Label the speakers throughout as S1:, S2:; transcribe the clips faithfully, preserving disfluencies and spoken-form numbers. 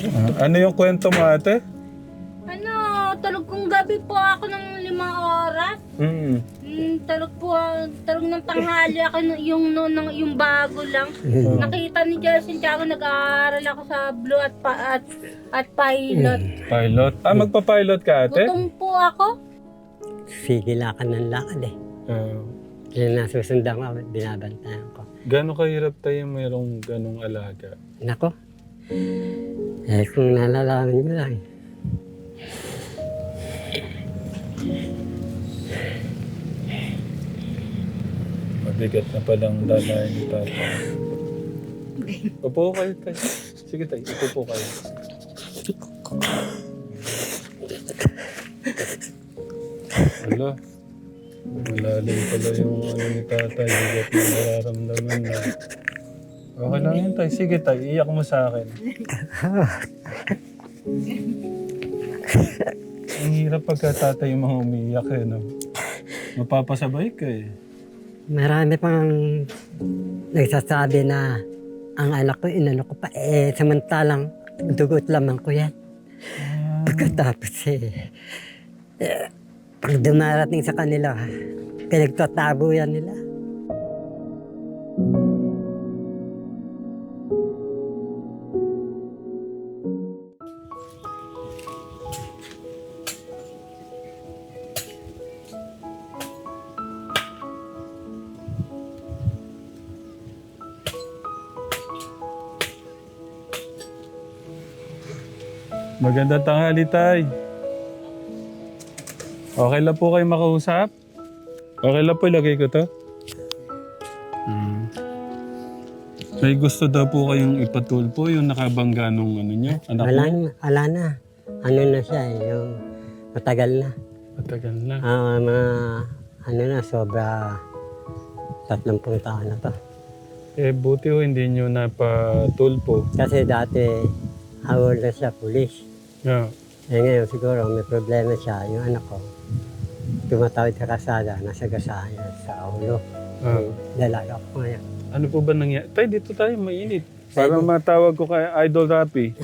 S1: Ah, ano yung kwento mo, ate?
S2: Ano, tulog kong gabi po ako ng limang oras.
S1: Mm.
S2: Mm, tulog po, tulog ng tanghali ako n- yung, no, ng, yung bago lang.
S1: Oh.
S2: Nakita ni Jelson Tiago, nag-aaral ako sa Blue at, pa, at, at Pilot.
S1: Pilot. Ah, magpa-pilot ka, ate?
S2: Gutom po ako.
S3: Sige, lakad ng lakad eh.
S1: Ah,
S3: Kaya nasusundan ko, binabantayan ko.
S1: gano'ng kahirap tayo mayroong ganong alaga?
S3: Nako, eh kung nalalaman mo lang.
S1: Mabigat na palang dalayan ni Papa. Upo kayo tayo. Sige tayo, upo po kayo. Wala. Malalim pala yung ano ni tatay. Bigat na nararamdaman na. Okay lang yun tayo. Sige tayo, iyak mo sa akin. Ang hirap pagka tatay yung mga umiiyak eh, no? Mapapasabay ka eh.
S3: Marami pang nagsasabi na ang anak ko, inano ko pa, eh samantalang dugot lamang ko yan. Pagkatapos eh, eh pag dumarating sa kanila, pinagtatabo yan nila.
S1: Magandang tanghali, tay. Okay lang po kayo makausap? Okay lang po, ilagay ko to. Hmm. May gusto daw po kayong ipatulpo yung nakabangga nung ano nyo, anak
S3: Wala,
S1: mo?
S3: na, wala na. Ano na siya, eh, yung matagal na.
S1: Matagal na.
S3: Ah, mga ano na, sobra tatlumpung taon na to.
S1: Eh, buti ho hindi nyo napatulpo.
S3: Kasi dati, awol na siya, pulis.
S1: Yeah.
S3: Eh ngayon siguro may problema siya, yung anak ko. Tumatawid sa kasada, nasa gasaan niya sa ulo.
S1: Ah.
S3: Dalaga ko ngayon.
S1: Ano po ba nangyari? Tay, dito tayo, mainit. Para matawag ko kay Idol Rapi.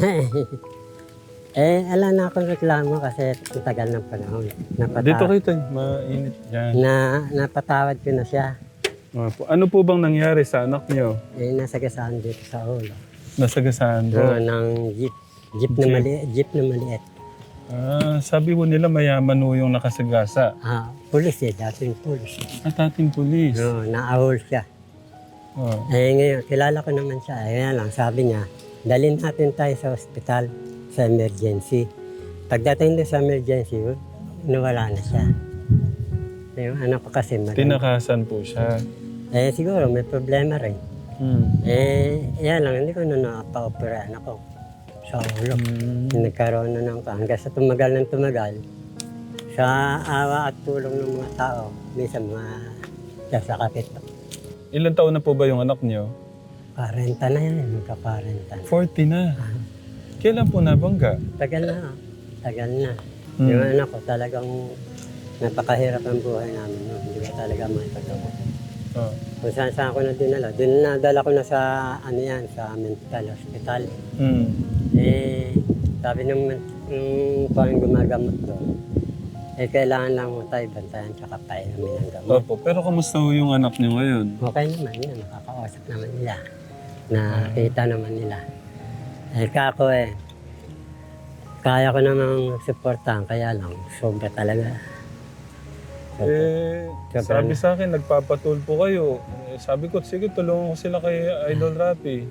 S3: Eh, ala na akong reklamo kasi ang tagal ng panahon. Napatawad,
S1: Dito kayo tayo, mainit. Yan.
S3: na, napatawad ko na siya.
S1: Ah, po. Ano po bang nangyari sa anak nyo?
S3: Eh, nasa gasaan dito sa ulo.
S1: Nasagasaan po.
S3: Oo, ng jeep. Jeep na
S1: Jeep.
S3: maliit. Jeep na maliit.
S1: Ah, sabi mo nila mayaman ho yung nakasagasa.
S3: Ah, pulis eh, dating pulis.
S1: At ating pulis.
S3: Oo, naahol siya.
S1: Oh.
S3: Eh ngayon, kilala ko naman siya. Eh ngayon lang, sabi niya, dalhin natin tayo sa ospital, sa emergency. Pagdating doon sa emergency, nawala na siya. Yung anak ko kasi mali.
S1: Tinakasan po siya.
S3: Eh siguro may problema rin.
S1: Hmm.
S3: Eh, yan lang, hindi ko na nakapa-operahan ako sa ulo.
S1: Hmm.
S3: Nagkaroon na ng hanggang sa tumagal ng tumagal. Sa awa at tulong ng mga tao, minsan mga sasakapit.
S1: Ilan taon na po ba yung anak niyo?
S3: Parenta na yan, magka-parenta na.
S1: forty na. Kailan po nabangga?
S3: Tagal na, tagal na.
S1: Hmm.
S3: Yung anak ko talagang napakahirap ang buhay namin. No? Hindi ko talaga makipagawa.
S1: Oh.
S3: Kung saan saan ko na dinala. Doon nadala ko na sa, ano yan, sa mental hospital.
S1: Hmm.
S3: Eh, sabi ng, ng parang gumagamot doon, eh, kailangan lang mo tayo bantayan tsaka painumin ng gamot.
S1: Opo, pero kamusta ho yung anak niyo ngayon?
S3: Okay naman yun, nakakausap naman nila. Nakita naman nila. Eh, kako eh, kaya ko namang supportahan, kaya lang, sobra talaga. Sobra.
S1: Eh,
S3: Sobra
S1: sabi
S3: na.
S1: sa akin, nagpapatulpo kayo. Eh, sabi ko, sige, tulungan ko sila kay Idol Rapi.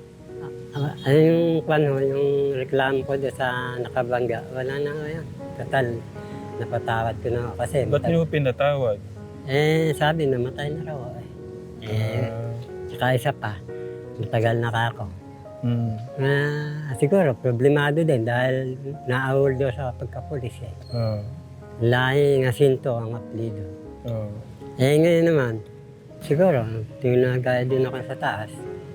S3: Ah, ano yung, ano, yung reklamo ko doon sa nakabangga, wala na ngayon. Total, napatawad ko na ako kasi.
S1: Ba't
S3: matag-
S1: niyo pinatawad?
S3: Eh, sabi, namatay na raw. Eh, eh
S1: Ah,
S3: tsaka isa pa, matagal na ka ako.
S1: hmm.
S3: Ah, siguro, problemado din dahil naawol doon sa pagkapulis eh.
S1: Ah,
S3: Lahi nga sinto ang apelido.
S1: ah.
S3: Eh, ngayon naman, siguro, tingin na gaya din ako sa taas.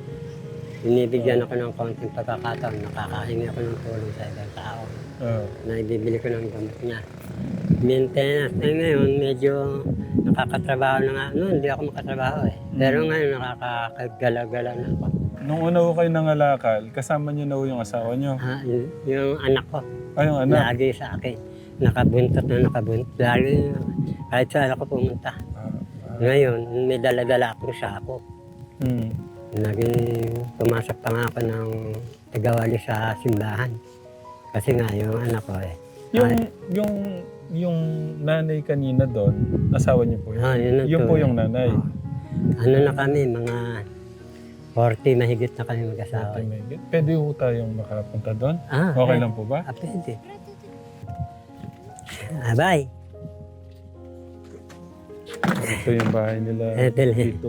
S3: Binibigyan ako ng konting pagkakataon, nakakahingi ako ng tulong sa ibang tao.
S1: Ah.
S3: Na ibibili ko ng gamot niya. Maintenance. Eh ngayon, medyo nakakatrabaho na nga. Noon, hindi ako makatrabaho eh. Pero ngayon, nakakagalaw-galaw na ako.
S1: nung una ko kayo nangalakal, kasama niyo na ho yung asawa niyo.
S3: Ah, y- yung anak ko,
S1: Ay, yung anak.
S3: lagi sa akin. Nakabuntot na nakabuntot. Lagi, kahit saan ako pumunta.
S1: Ah, ah,
S3: Ngayon, may dala-dala akong sako.
S1: hmm.
S3: Naging pumasok pa nga ako ng tagawali sa simbahan. Kasi nga, yung anak ko eh.
S1: Yung,
S3: Ay,
S1: yung, yung nanay kanina doon, asawa niyo po yun?
S3: ah, yun na
S1: Yun
S3: to,
S1: po
S3: eh.
S1: yung nanay.
S3: Ano na kami, mga forty mahigit na kami mag-asawa.
S1: Pwede ho tayong makapunta doon?
S3: Ah,
S1: Okay
S3: eh.
S1: lang po ba?
S3: Ah, pwede. Ah, bye.
S1: Ito yung bahay nila
S3: Eh, dali.
S1: dito.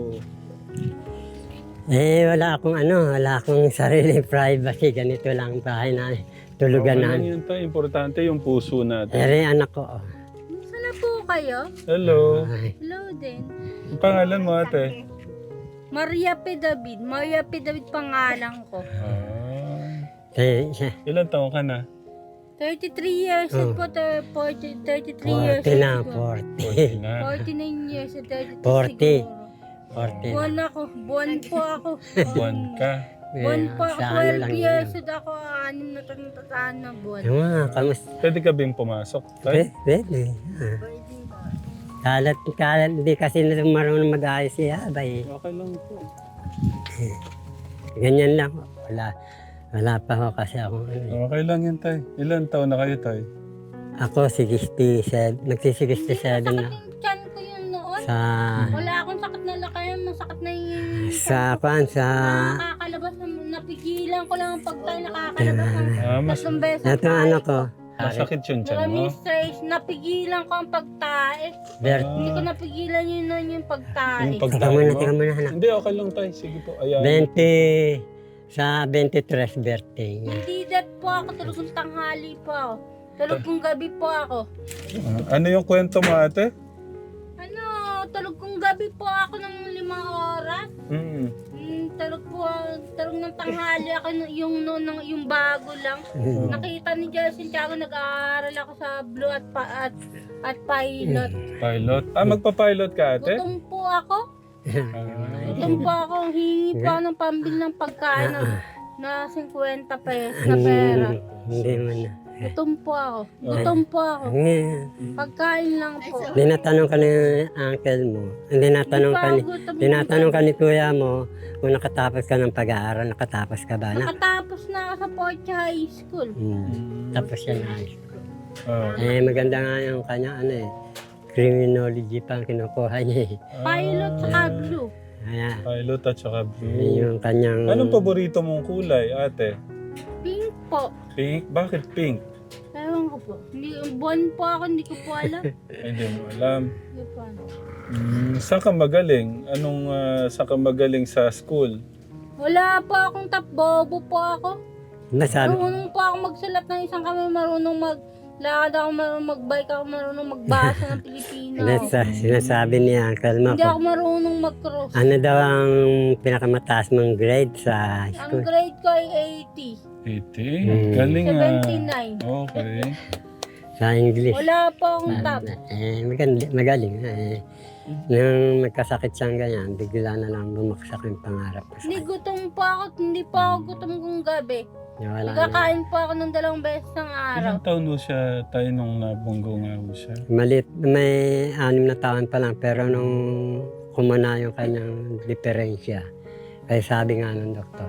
S3: Eh, wala akong ano, wala akong sariling privacy. Ganito lang ang bahay na tulugan
S1: Okay
S3: na.
S1: lang yun tayo. Importante yung puso natin.
S3: Eh, anak ko. oh.
S2: Saan na po kayo?
S1: Hello.
S3: Ay,
S2: Hello din.
S1: Ang pangalan mo ate?
S2: Maria P. David. Maria P. David pangalan ko.
S1: Ah.
S3: eh, siya.
S1: Ilan taon ka na?
S2: thirty-three years
S3: Oh.
S2: old po. thir- forty, thirty-three years
S3: forty
S2: old
S3: na,
S2: po.
S3: forty.
S1: forty na.
S2: forty-nine years old. thirty-two
S3: forty.
S2: siguro.
S3: forty na.
S2: Buwan ako. Buwan po ako.
S1: Buwan ka.
S2: Buwan
S3: Eh,
S2: po ako.
S3: sa ano
S2: twelve
S3: lang
S2: years
S3: yun.
S2: old ako. Anim na taon tataan na buwan.
S3: Yung mga kamusta?
S1: Pwede ka bing pumasok? Tay?
S3: Pwede, pwede. Ah. Kalat, kalat, hindi kasi na marunong mag-ayos siya, bay.
S1: Okay lang po.
S3: Ganyan lang. Wala, wala pa ho kasi ako. ano eh.
S1: Okay lang yan tay. Ilan taon na kayo tay?
S3: Ako, sixty-seven, nagsi-sixty-seven na.
S2: Yung tiyan ko yun noon.
S3: Sa,
S2: Wala akong sakit na lakayan. Masakit na yung...
S3: sa, kwan, sa,
S2: Nakakalabas. na- Napigilan ko lang ang pagkain. Nakakalabas ng
S1: Ah, mas
S2: tatlong beses.
S3: ito ano ko,
S1: masakit yung tiyan mo?
S2: Maraming stress. Napigilan ko ang pagtae.
S3: Bert,
S2: Hindi ko napigilan yun nun yung pagtae.
S1: Yung
S3: teka
S1: pagtae
S3: muna,
S1: mo?
S3: teka muna, anak.
S1: Hindi, okay lang tay. Sige po. Ayan.
S3: twenty, sa twenty-three birthday niya.
S2: Hindi that po ako. Talagang tanghali po ako. Talagang gabi po ako.
S1: Ah, ano yung kwento mo ate?
S2: Ano, talagang gabi po ako ng limang oras.
S1: Hmm.
S2: Hmm, talog po, talog ng tanghali ako nung- yung, yung, yung, yung bago lang. Nakita ni Justin Tiago, nag-aaral ako sa Blue at, pa, at, at Pilot.
S1: Pilot. Ah, magpa-pilot ka ate?
S2: Gutom po ako.
S1: Ah.
S2: Gutom po ako. Hingi po ako ng pambili ng pagkain na, na fifty pesos na pera.
S3: Hindi mo na.
S2: Gutom po ako. Gutom po ako.
S3: Eh,
S2: Pagkain lang po.
S3: Tinatanong ka ni uncle mo. Hindi natanong
S2: Hindi
S3: ka
S2: pa
S3: ni,
S2: ako gutom.
S3: tinatanong ka ni kuya mo kung nakatapos ka ng pag-aaral. Nakatapos ka ba na?
S2: Nakatapos na ako sa Portia High School.
S3: Hmm. Tapos yan na.
S1: Ah.
S3: Eh, maganda nga yung kanya, ano eh. Criminology pa ang kinukuha niya eh.
S2: Pilot sa Blue.
S3: Kaya,
S1: Pilot at saka
S3: yun
S1: blue.
S3: yung kanyang...
S1: Anong paborito mong kulay ate?
S2: Pink po.
S1: Pink? Bakit pink?
S2: Ewan ko po. Hindi, buwan po ako, hindi ko po alam.
S1: Ay, hindi mo alam.
S2: Hindi po alam.
S1: Mm, saan ka magaling? Anong uh, saan ka magaling sa school?
S2: Wala po akong tap, bobo po ako.
S3: Nasabi,
S2: Marunong po ako magsulat ng isang kami, marunong mag... Lakad ako, marunong mag-bike ako, marunong magbasa ng Pilipino.
S3: nasa, sinasabi ni uncle mo
S2: Hindi
S3: ko.
S2: ako marunong mag-cross.
S3: Ano daw ang pinakamataas mong grade sa high
S2: Ang
S3: school?
S2: grade ko ay eighty.
S1: eighty?
S3: Mm.
S1: Galing ah.
S2: seventy-nine.
S1: Okay.
S3: Sa English.
S2: Wala po akong tap.
S3: Eh, magaling, magaling. Eh, nung nagkasakit siyang ganyan, bigla na lang bumaksak yung pangarap ko sa
S2: Hindi
S3: kanya.
S2: gutom po ako, hindi po ako gutom kung gabi.
S3: Wala na.
S2: Nagkakain po ako ng dalawang beses ng araw.
S1: Ilang taon mo siya tayo nung nabunggo nga ho siya?
S3: Malit, may anim na taon pa lang, pero nung kumana yung kanyang diferensya, kaya sabi nga ng doktor,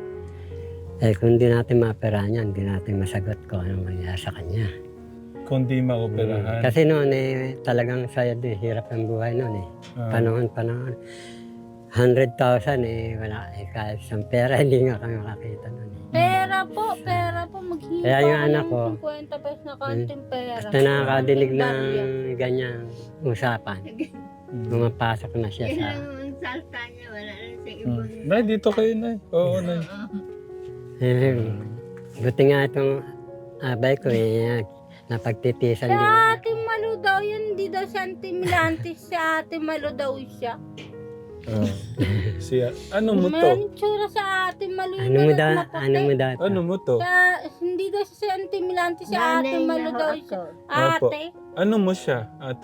S3: eh kung di natin maoperahan yan, hindi natin masagot kung anong mangyayari sa kanya.
S1: Kung di maoperahan.
S3: Kasi noon eh, talagang sayad eh, hirap ang buhay noon eh.
S1: Ah,
S3: Panahon, panahon. one hundred thousand eh, wala eh, kahit isang pera, hindi nga kami makakita noon eh.
S2: Pera po, pera po. Maghingi
S3: Kaya
S2: pa
S3: yung
S2: ako
S3: anak
S2: ng
S3: ko,
S2: fifty pesos na kanting pera.
S3: Basta nakakadinig ng
S2: Barya.
S3: ganyang usapan,
S1: mm.
S3: pumapasok na siya sa...
S4: Ang salta niya, wala na sa
S1: Mm.
S4: ibon.
S1: Nay, dito kayo, Nay. Oo, Nay.
S3: Eh, buti nga itong abay ko eh, napagtitisan
S2: Si
S3: din.
S2: Ate Malu daw, yun hindi daw siya anti-milantis. Si Ate Malu daw siya.
S1: Ah. Siya, ano mo to?
S2: May tsura sa Ate Malu.
S3: Ano mo daw, ano mo daw?
S1: Ano mo to?
S2: Siya, hindi daw siya anti-milantis. Si Ate
S4: Nanay
S2: Malu
S4: na
S2: daw
S4: ako.
S2: siya.
S1: Apo.
S2: Ate.
S1: Ano mo siya, ate?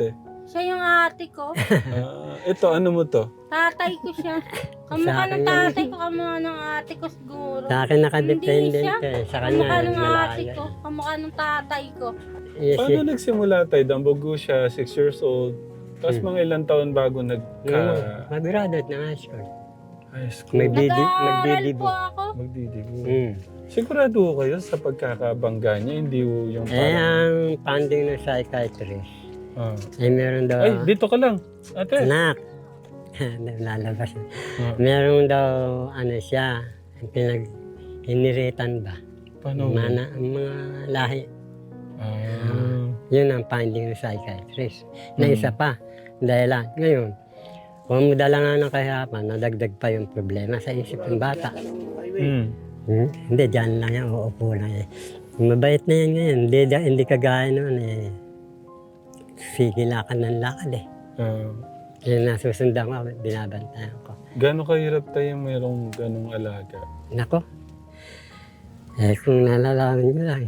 S2: Siya yung ate ko.
S1: Ah, ito, ano mo to?
S2: Tatay ko siya. Kamukha
S3: Sa akin
S2: ng
S3: yan.
S2: tatay ko, kamukha ng ate ko siguro.
S3: Sa akin nakadependent
S2: Hindi siya.
S3: eh. Sa kanya,
S2: Kamukha ng ate
S3: malayo.
S2: ko, kamukha ng tatay ko.
S3: Yes,
S1: Paano
S3: yes.
S1: nagsimula tayo? Dambugo siya, six years old. Tapos
S3: Hmm.
S1: mga ilang taon bago
S3: Yung
S1: nagka
S3: mag-graduate ng high school.
S1: high school.
S3: May Didi-
S2: Nag-aaral
S3: magdidibo.
S2: po ako.
S1: Magdidibo.
S3: Mm.
S1: Sigurado ko kayo sa pagkakabangga niya, hindi ho yung
S3: Eh,
S1: parang...
S3: ang funding ng psychiatrist,
S1: Ah.
S3: eh meron daw,
S1: Ay, dito ka lang. Ate.
S3: anak, lalabas.
S1: Ah,
S3: Meron daw, ano siya, pinag iniritan ba?
S1: paano?
S3: Mana, ang mga lahi.
S1: Ah.
S3: Yun ang finding ng psychiatrist. Na
S1: Mm.
S3: isa pa, dahil lang, ngayon, kung madala nga ng kahirapan, nadagdag pa yung problema sa isip ng bata.
S1: Hmm.
S3: Hmm? Hindi, dyan lang yan, uupo lang eh. Mabait na yan ngayon, hindi, hindi kagaya noon eh. Sige lakad ng lakad eh.
S1: Ah.
S3: Yung nasusundan ko, binabantayan ko.
S1: Gano'ng kahirap tayo mayroong ganong alaga?
S3: Nako, eh kung nalalaman nyo lang.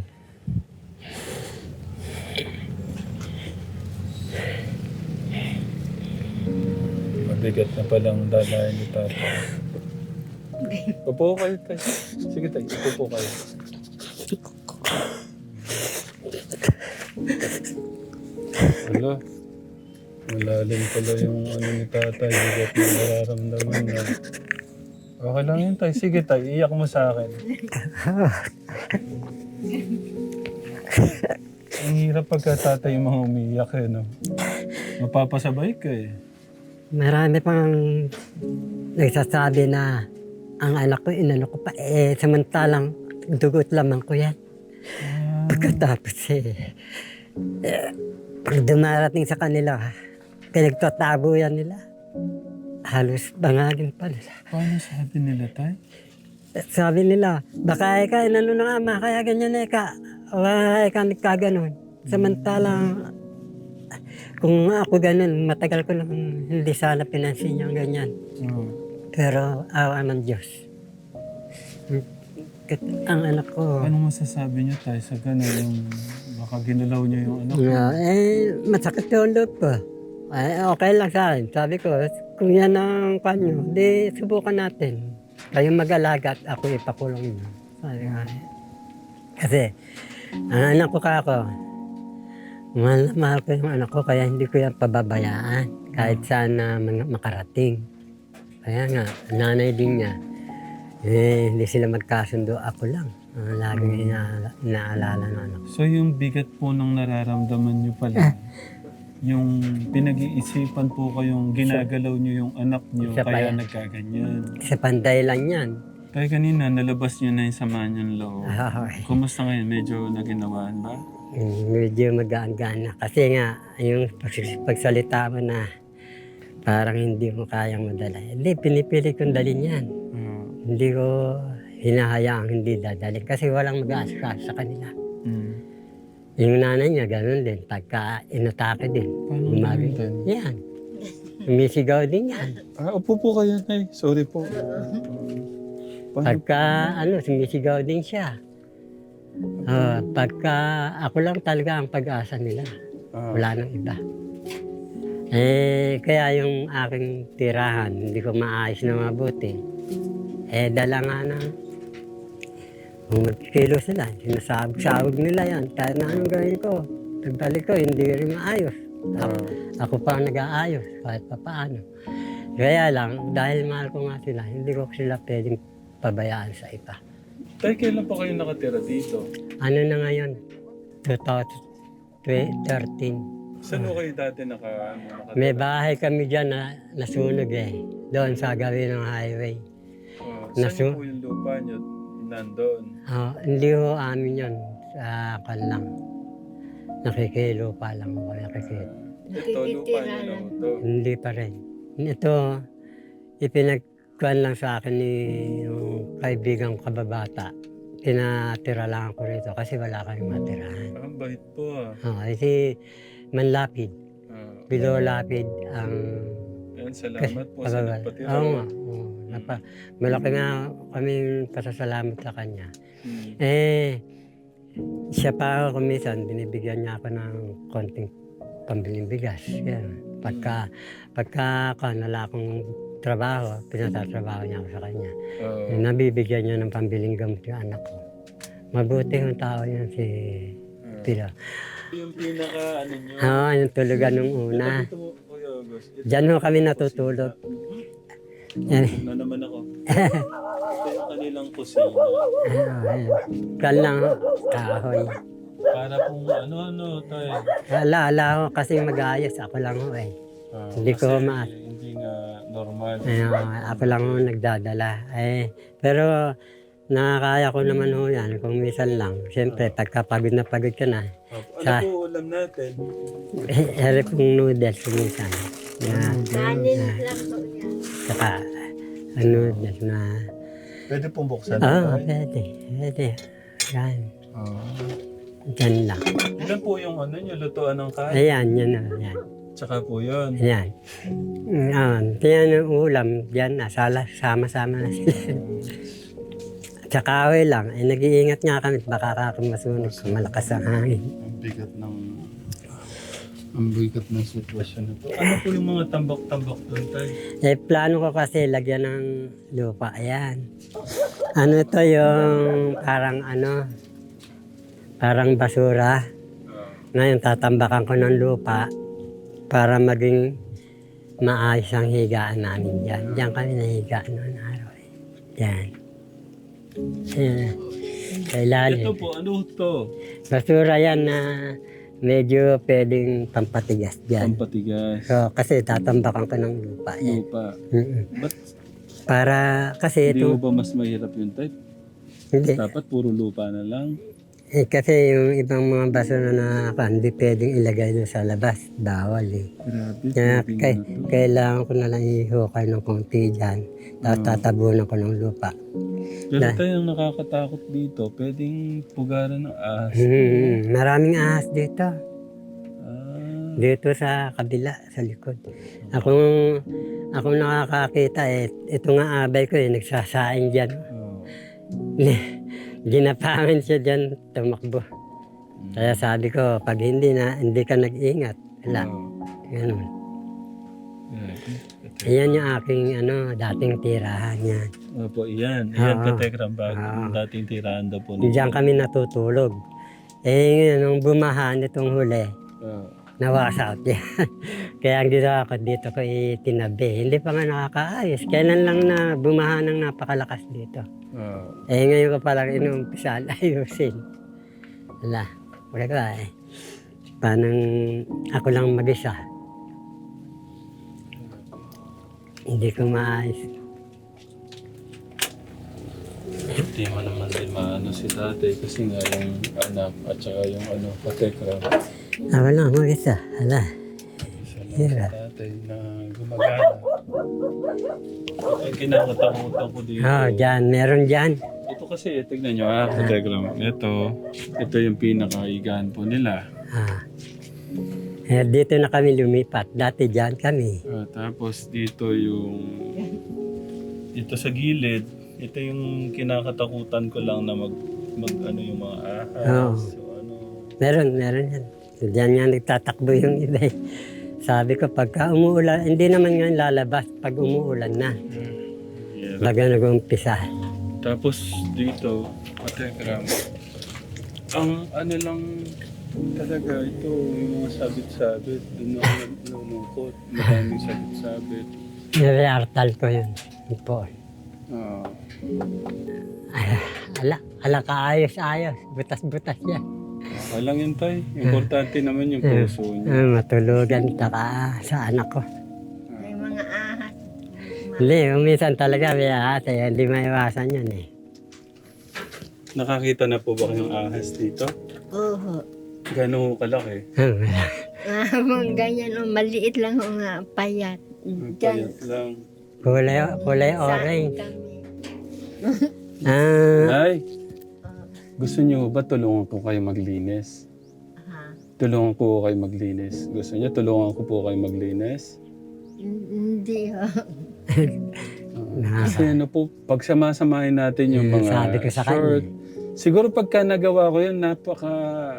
S1: Mabigat na palang dalayan ni Papa. Upo kayo tayo. Sige tayo, upo kayo. Wala. Malalim pala yung ano ni tatay. Bigat na nararamdaman na. Okay lang yun tayo. Sige tayo, iyak mo sa akin. Ang hirap pagka tatay yung mga umiiyak eh, no? Mapapasabay ka eh.
S3: Marami pang nagsasabi na ang anak ko, inano ko pa, eh samantalang dugot lamang ko yan.
S1: Ah,
S3: Pagkatapos eh, eh pag dumarating sa kanila, pinagtatabo yan nila. Halos bangagin pa nila.
S1: paano sabi nila tayo?
S3: Sabi nila, baka ika, inano ng ama, kaya ganyan ika. Wala ika nagkaganon. Samantalang, kung ako ganun, matagal ko lang hindi sana pinansin yung ganyan.
S1: Hmm.
S3: Pero awa ng Diyos. Ang anak ko,
S1: Anong masasabi niyo tayo sa gano'n yung baka ginalaw niyo yung anak?
S3: uh, eh, masakit yung loob ko. Eh, okay lang sa akin. Sabi ko, kung yan ang kanyo, di subukan natin. Kayo mag-alaga at ako ipakulong niyo. Sabi nga. eh. Kasi, ang anak ko ka ako, mahal na mahal ko yung anak ko, kaya hindi ko yan pababayaan. Kahit saan na man- makarating. Kaya nga, nanay din niya, eh, hindi sila magkasundo, ako lang. Ang laging inaala, inaalala ng anak ko.
S1: So yung bigat po ng nararamdaman niyo pala, yung pinag-iisipan po kayong ginagalaw niyo yung anak niyo,
S3: Siya pa
S1: kaya
S3: yan.
S1: nagkaganyan.
S3: Sa panday lang yan.
S1: Tayo kanina, nalabas niyo na yung sama niyong loob.
S3: Ah, okay.
S1: Kumusta ngayon? Medyo naginawaan ba?
S3: Mm, medyo magaan-gaan na. Kasi nga, yung pags- pagsalita mo na parang hindi mo kayang madala. Hindi, pinipili kong dalhin yan.
S1: Ah,
S3: Hindi ko hinahayaang hindi dadalhin kasi walang mag-aasikaso sa kanila.
S1: mm.
S3: Yung nanay niya, ganun din. Pagka inatake din.
S1: Paano
S3: Gumagay.
S1: gawin din?
S3: Yan. Umisigaw din yan.
S1: Ah, upo po kayo, Nay. Sorry po. Paano?
S3: Pagka, ano, sumisigaw din siya. Ah, pagka, ako lang talaga ang pag-asa nila.
S1: Ah,
S3: Wala nang iba. Eh, kaya yung aking tirahan, hindi ko maayos na mabuti. Eh, dala nga na, kung magkilo sila, sinasabog-sabog nila yan. Kahit na anong gawin ko, pagbalik ko, hindi rin maayos. Ako,
S1: ah,
S3: ako pa ang nag-aayos, kahit pa paano. Kaya lang, dahil mahal ko nga sila, hindi ko sila pwedeng pabayaan sa iba.
S1: Tay, kailan pa kayo nakatira dito?
S3: Ano na ngayon? twenty thirteen.
S1: Saan mo kayo dati naka, ano, nakatira?
S3: May bahay kami dyan na nasunog eh. Doon sa gawin ng highway.
S1: Ah,
S3: Nasu-
S1: saan po yung lupa niyo? Nandun.
S3: Ah, hindi ho amin yun. Sa kanlang. Nakikilupa lang ako. Nakikil.
S1: Ito, lupa niyo na ito.
S3: Hindi pa rin. Ito, ipinagkuhan lang sa akin ni yung kaibigang kababata. Tinatira lang ako rito kasi wala kayong matirahan.
S1: Ang bait po ah.
S3: Ah, si Manlapid.
S1: Ah,
S3: Below Lapid ang
S1: Ayan, salamat po sa
S3: pagbagal.
S1: nagpatira.
S3: Oo nga. Oo, napa, malaki nga kaming pasasalamat sa kanya.
S1: Hmm.
S3: Eh, siya pa ako minsan, binibigyan niya ako ng konting pambiling bigas. Yan. Pagka, pagka ako, nala akong trabaho, pinatatrabaho niya ako sa kanya.
S1: Oo.
S3: Nabibigyan niya ng pambiling gamot yung anak ko. Mabuti yung tao yan si Pilo.
S1: Yung pinaka ano nyo.
S3: Oo, yung tulugan nung una.
S1: Ito mo, Kuya August. Ito,
S3: Diyan ho kami natutulog. Yan.
S1: na naman ako. Ito yung kanilang kusina.
S3: Kal lang ho, kahoy.
S1: Para pong ano-ano tayo.
S3: Ala, ala ho, kasi mag-ayos. Ako lang ho eh.
S1: Ah,
S3: Hindi ko
S1: kasi
S3: ma-
S1: Hindi nga normal.
S3: Ayun, ako lang ho nagdadala. Eh, pero nakakaya ko naman ho yan kung minsan lang. Siyempre, pagka pagod na pagod ka na,
S1: Ano
S3: Sa-
S1: po ulam natin?
S3: eh, ere pong noodles minsan. Na,
S4: Kanin lang po yan.
S3: saka, ah, noodles na,
S1: Pwede pong buksan
S3: oo,
S1: tayo.
S3: pwede, pwede. Yan,
S1: Ah.
S3: dyan lang.
S1: Ilan po yung ano nyo, lutuan ng kain?
S3: Ayan, yan o, yan.
S1: Tsaka po yun.
S3: Ayan. Mm, ah, yan ang ulam, yan na, sala, sama-sama na sila. Tsaka away lang, eh, nag-iingat nga kami, baka kakamasunog kung malakas ang hangin.
S1: Ang bigat ng... Ang bigat ng sitwasyon na po. Ano po yung mga tambak-tambak doon tayo?
S3: Eh, plano ko kasi lagyan ng lupa. Ayan. Ano to yung parang ano, parang basura. Ngayon, tatambakan ko ng lupa para maging maayos ang higaan namin dyan. Diyan kami nahiga noon araw. Eh. Diyan. Ayan. Sa ilalim.
S1: Ito po, ano to?
S3: Basura yan na medyo pwedeng pampatigas dyan.
S1: Pampatigas.
S3: So, kasi tatambakan ko ng lupa. Eh.
S1: Lupa.
S3: Mm-mm.
S1: Ba't
S3: Para kasi
S1: hindi mo
S3: ito,
S1: ba mas mahirap yung type?
S3: hindi.
S1: Dapat puro lupa na lang.
S3: Eh, kasi yung ibang mga basura na pa, hindi pwedeng ilagay doon sa labas. Bawal eh.
S1: Grabe.
S3: Kaya
S1: grabe
S3: kay,
S1: na to.
S3: kailangan ko na lang ihukay ng konti dyan. Tapos tatabunan ko ng lupa.
S1: Pero
S3: Na-
S1: tayo ang nakakatakot dito, pwedeng pugaran ng ahas.
S3: Hmm, maraming ahas dito.
S1: Ah,
S3: Dito sa kabila, sa likod. Akong, akong nakakakita eh, ito nga abay ko eh, nagsasaing dyan.
S1: oh.
S3: Ginapangan siya dyan, tumakbo. Kaya sabi ko, pag hindi na, hindi ka nag-ingat, wala.
S1: Oh.
S3: Ganun.
S1: Grabe.
S3: Ayan yung aking ano, dating tirahan yan.
S1: Opo, iyan. Iyan
S3: Oo.
S1: katekram bag.
S3: Oo.
S1: Dating tirahan daw po. nila.
S3: Diyan kami natutulog. Eh, ngayon, nung bumahan itong huli,
S1: Oo.
S3: nawas out yan. Kaya ang ginawa ko dito ko itinabi. Hindi pa nga nakakaayos. Kailan lang na bumahan ng napakalakas dito.
S1: Oo.
S3: Eh, ngayon ko palang inuumpisal ayusin. Wala. Wala ko eh. Panang ako lang mag-isa. Hindi ko maayos.
S1: Hindi mo naman din maano si tatay kasi nga yung anak at saka yung ano, katekram.
S3: Ako lang mag-isa. Wala.
S1: Isa lang
S3: Yeah.
S1: si tatay na gumagana. Ang kinakatakutan ko dito.
S3: Oh, dyan. Meron dyan.
S1: Ito kasi, tignan nyo ah, katekram. Ito, ito yung pinakaigaan po nila.
S3: Ah. Eh, dito na kami lumipat. Dati dyan kami.
S1: Ah, tapos dito yung dito sa gilid, ito yung kinakatakutan ko lang na mag mag ano yung mga ahas.
S3: Oo.
S1: So ano,
S3: Meron, meron yan. Diyan nga nagtatakbo yung iba eh. Sabi ko, pagka umuulan, hindi naman nga lalabas pag umuulan na.
S1: yeah.
S3: Baga nag-umpisa.
S1: Tapos dito, katekram. Ang ano lang talaga ito, yung mga sabit-sabit, doon ako nalulungkot. Maraming sabit-sabit.
S3: Nireartal ko yun. Yun po.
S1: Ah,
S3: Ay, ala, ala kaayos-ayos. Butas-butas yan.
S1: okay lang yun tay. Importante naman yung puso niya.
S3: Ah, matulugan taka sa anak ko.
S4: May mga ahas.
S3: Hindi, minsan talaga may ate, hindi maiwasan yan eh.
S1: Nakakita na po ba kayong ahas dito?
S4: Oo.
S1: Gano'n kalaki?
S4: Ah, mga ganyan, oh, maliit lang o nga, payat.
S1: Ang
S4: Diyan,
S1: payat lang.
S3: kulay, kulay
S4: saan
S3: orange.
S4: kami.
S3: Ah,
S1: Ay, gusto niyo ba tulungan ko kayo maglinis?
S4: Ha?
S1: Tulungan ko kayo maglinis. Gusto niyo tulungan ko po kayo maglinis?
S4: Hindi ho.
S1: Ah, kasi ano po, pagsama-samahin natin yung
S3: Hmm,
S1: mga
S3: sabi ko sa kanya.
S1: short. Siguro pagka nagawa ko yun, napaka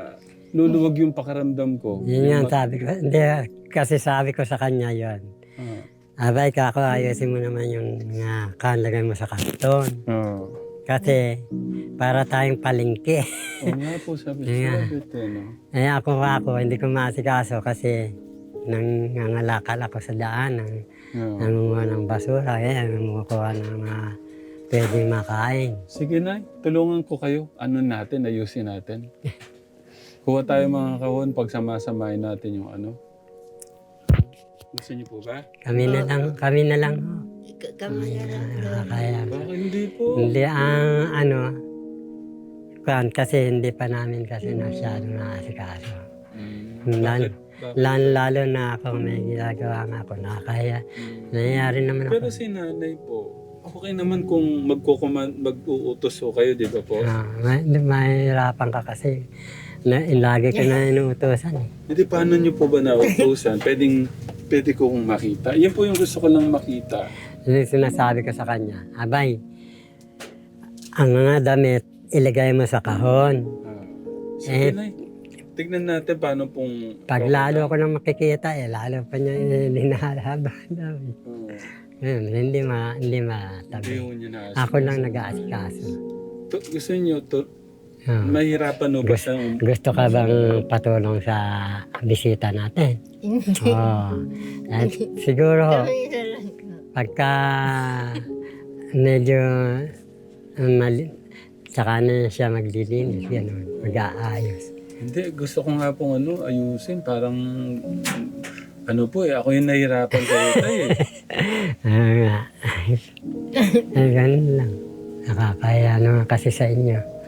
S1: luluwag yung pakiramdam ko.
S3: Yun yung sabi ko. Hindi, kasi sabi ko sa kanya yon.
S1: Ah.
S3: Abay, kako, ayusin mo naman yung nga kanlagay mo sa karton.
S1: Ah.
S3: Kasi, para tayong palengke.
S1: Oo nga po, sabi
S3: Yeah.
S1: sabi ito, no?
S3: Eh ako ako, hindi ko maasikaso kasi nangangalakal ako sa daan, nang,
S1: Yeah.
S3: nangunguha ng basura, eh, nangunguha ng mga pwedeng makain.
S1: Sige na, tulungan ko kayo. Ano natin, ayusin natin. Kuha tayo mga kahon, pagsamasamahin natin yung ano. Gusto niyo po ba?
S3: Kami na lang, kami na lang.
S4: K- Kami na lang.
S3: Ah, kaya,
S1: Bakit hindi po?
S3: hindi ang ano, kuwan, kasi hindi pa namin kasi masyadong naasikaso.
S1: Hmm.
S3: Lalo,
S1: Bakit? Bakit?
S3: lalo, lalo na ako may ginagawa nga ako, nakakaya. Nangyayari naman ako.
S1: Pero si nanay po, okay naman kung magkukuman, mag-uutos ko kayo, di ba po?
S3: Ah, may, mahirapan ka kasi. Na, lagi ka na inuutosan eh.
S1: Hindi, paano niyo po ba nautusan? Pwedeng, pwede ko kong makita. Yan po yung gusto ko lang makita.
S3: Yung sinasabi ko sa kanya, abay, ang mga damit, ilagay mo sa kahon.
S1: Ah. Sige
S3: Eh,
S1: na, tignan natin paano pong...
S3: Pag lalo ako nang makikita, eh, lalo pa niya linalaban.
S1: Oh,
S3: Ngayon, hindi ma, hindi
S1: hindi
S3: matabi.
S1: ko niya na
S3: Ako lang nag-aasikaso.
S1: To, gusto niyo, to,
S3: Ah.
S1: mahirapan no ba sa...
S3: Gusto ka bang patulong sa bisita natin?
S4: Hindi.
S3: Oo. At siguro,
S4: Kami na lang.
S3: pagka medyo um, mali, tsaka na siya maglilinis, gano'n, mag-aayos.
S1: Hindi, gusto ko nga pong ano, ayusin. Parang... Ano po eh, ako yung nahihirapan kayo tayo eh.
S3: Ah, nga. Eh, ganun lang. Nakakaya naman kasi sa inyo.